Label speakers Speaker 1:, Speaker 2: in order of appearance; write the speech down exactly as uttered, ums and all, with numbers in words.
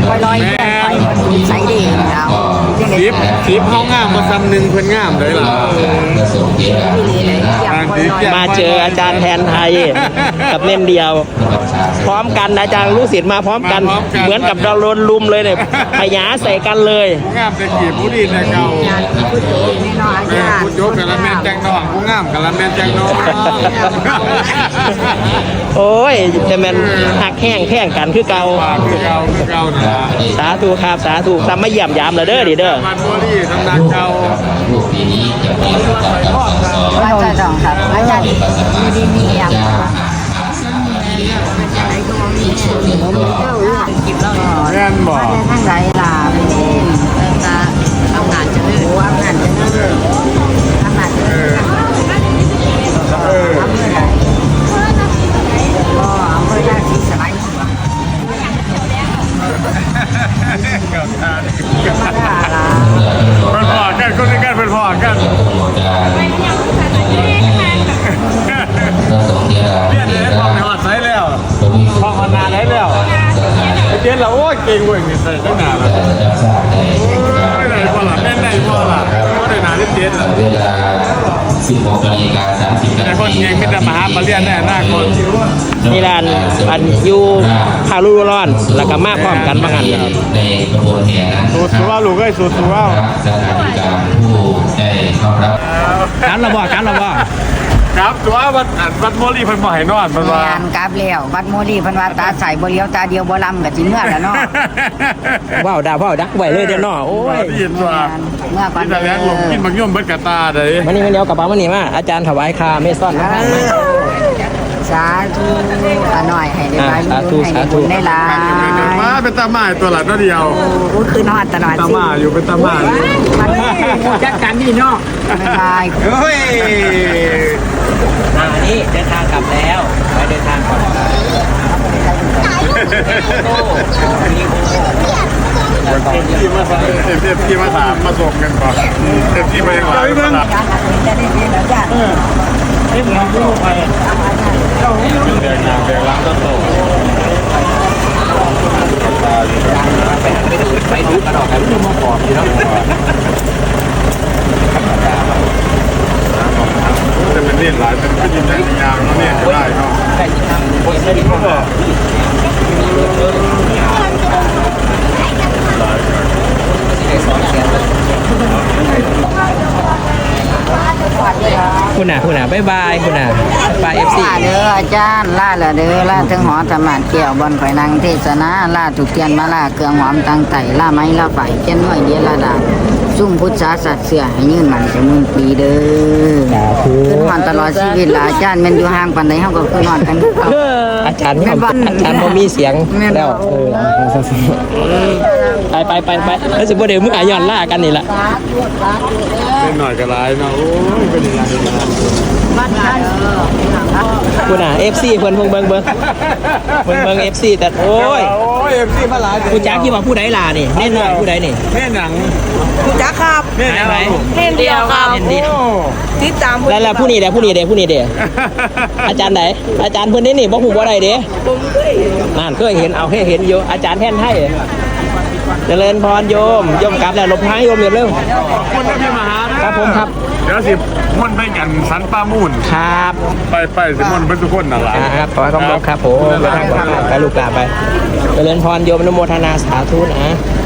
Speaker 1: คอยลอยเพื่อนคอยใส่ดีเอา
Speaker 2: ทิปทิปเขางามมาซ้ำหนึ่งเพื่อนงามเลยล่ะ
Speaker 3: มาเจออาจารย์แทนไทยกับเล่มเดียวพร้อมกันอาจารย์ลูกศิษย์มาพร้อมกันเหมือนกับเราโดนลุมเลยเนี่ยพยาใส่กันเลย
Speaker 2: ผู้งามเป็นกี่ผู้ดีในเก่าผู้โยกกะละแมนแจงนองผู้งามกะละแมนแจงนอง
Speaker 3: โอ้ยจะเป็นหักแห้งแข้งกันคือเก่า
Speaker 2: คือเก่าคือเก่านะ
Speaker 3: สาธุครับสาธุทำไม่เยี่ยมยามเลยเด้อดิเด้อ
Speaker 2: มันบัวดีทำนาเก่า
Speaker 1: อาจารย์สองครับอาจารย์มีดีมีอย่าง
Speaker 2: แม่นบอก
Speaker 1: ทั้งหลายลาไปนี่จะทำงานจะเลื่อนทำงานจะเลื่อนทำงานจะเลื่อน
Speaker 2: เออ
Speaker 1: ก็อำเภอยาชีสบายมาได้ละ
Speaker 2: เป็นพ่อกันคนนี้กันเป็นพ่อกันเรียนเลยพ่อในหอดไซแล้วพ่อหอดนาได้แล้วเจ๊เราโอ้ยเก่งเว้ยใส่ตั้งนานแล้วไม่ได้พ่อละแม่ได้พ่อละพ่อได้นานที่เจ๊ละ
Speaker 4: เวลาสิบหกนาฬิกาสามสิบนาที
Speaker 2: แต่คนเก่งไม่ได้มาหามาเรียนแน่หน้าคน
Speaker 3: นี่ร้านอันยูพาลูร้อนแล้วก็มาพร้อมกันบางอัน
Speaker 4: ในกระบวนแห่นั้น
Speaker 2: สูตรตัวลูกเอ้ยสูตรตัว
Speaker 4: สถานิการผู้ได้เข้ารับ
Speaker 3: การระบาดการระบาด
Speaker 2: ครับตัววัดวัดโมลีเพิ่นบ่ให้นอนเพิ่นว่าง
Speaker 1: านกราบแล้ววัดโมลีเพิ่นว่าตาใส่บ่เลี้ยวตาเดียวบ่ลำก็สิเมื่อแล้วเนาะ
Speaker 3: ว้าวดาวว้าวดักไว้เลยเดี๋ยวเนาะโอ้ย
Speaker 2: ยินว่า
Speaker 1: เมื่อก่อน
Speaker 2: กินแต่แล้วผมกินบางย่อมเบิดกะตาเด้
Speaker 3: มานี่มาเดี๋ยวกระเป๋ามานี่มาอาจารย์ถวายคาเมซ่อนมา
Speaker 1: สาธุอาหน่อยให้ได้ไปให้ได้บุญได้ลา
Speaker 2: มาเป็นตาหมาตัวหลักเดียว
Speaker 1: โอ้คือนอนตลอด
Speaker 2: ตาหมาอยู่เป็นตาหมา
Speaker 1: จัดการนี่เนาะไม่ใช่
Speaker 2: เฮ้ย
Speaker 3: อันนี้เดินทางกลับแล้วไปเดินทางก่อน
Speaker 2: เต็มที่มาเต็มที่มาถามมาส่งกันก่อนเต็มที่มาอย่างไรบ้าง
Speaker 1: จะได้ดีแล้วจ้ะ
Speaker 3: เต็มที่ลูกไป
Speaker 2: เดินทางเดินล้างต้นโต
Speaker 3: ไปดูกระดอกกันที่มอขอบอยู่แล้ว
Speaker 2: จะเป็นเล่นหลายเป็นก็ยินได้ยางแล้วเนี่ยก็ได้เนาะ
Speaker 3: ใช่ที่ทำคนที่เขาบอกคุณน่ะคุณน่ะบ๊ายบายคุณน่ะบายเอฟซี
Speaker 1: เด้ออาจารย์ล่าละเด้อล่าถึงหอธรรมะเกี่ยวบนข่อยนางเทศนาล่าถูกเทียนมาล่าเครื่องหอมตังไต่ล่าไม้ล่าไฟเจนหน่วยเดียล่าดาซุ่มพุทธศาสตร์เสือให้ยืนมันจะมึงปีเด้อขึ้นหอนตลอดชีวิตละอาจารย์มันอยู่ห่างปานใดเฮาก็ขึ้นหอนกัน
Speaker 3: อาจารย์ไม่อาจารย์บ่มีเสียงแล้วไปไปไปไปแล้วสิบ่ได้มึงอาย้อนล่ากันนี่ล่ะ
Speaker 2: เป็นหน่อยก็ร้ายเนาะโอ้ยเป็นยังไง
Speaker 3: คุณน่ะ เอฟ ซี เพิ่นเพิ่งเบิ่งเบิ่งเบิ่งเบิ่ง เอฟ ซี แต่โอ้ย
Speaker 2: โอ้ย เอฟ ซี มาหลาย
Speaker 3: ผู้จักที่ว่าผู้ใดล่ะนี่เน่นหน่อยผู้ใดนี่
Speaker 2: เน่นหนัง
Speaker 1: ผู้จักครับ
Speaker 2: เน่นอะไร
Speaker 1: เน่นเดียวครับเน่นเดียวติดตาม
Speaker 3: แล้วผู้นี้เด้ผู้นี้เด้ผู้นี้เด้อาจารย์ไหนอาจารย์เพิ่นนี่นี่บ่ฮู้บ่ได้เด้
Speaker 1: ผมเคย
Speaker 3: นั่นเคยเห็นเอาให้เห็นอยู่อาจารย์แท่นให้เจริญพรโยมโยมกลับแล้วหลบท้ายโยมเร็ว
Speaker 2: คุณพี่มหา
Speaker 3: ครับผมครับ
Speaker 2: เดี๋ยวสิม่วนไปกันสันป้ามูน
Speaker 3: ครับ
Speaker 2: ไปไปสิม่วนเป็นทุกคนนั่นแหละ
Speaker 3: ครับขอให้คำบอกครับผมไปลูกกลับไปเจริญพรโยมอนุโมทนาสาธุนะ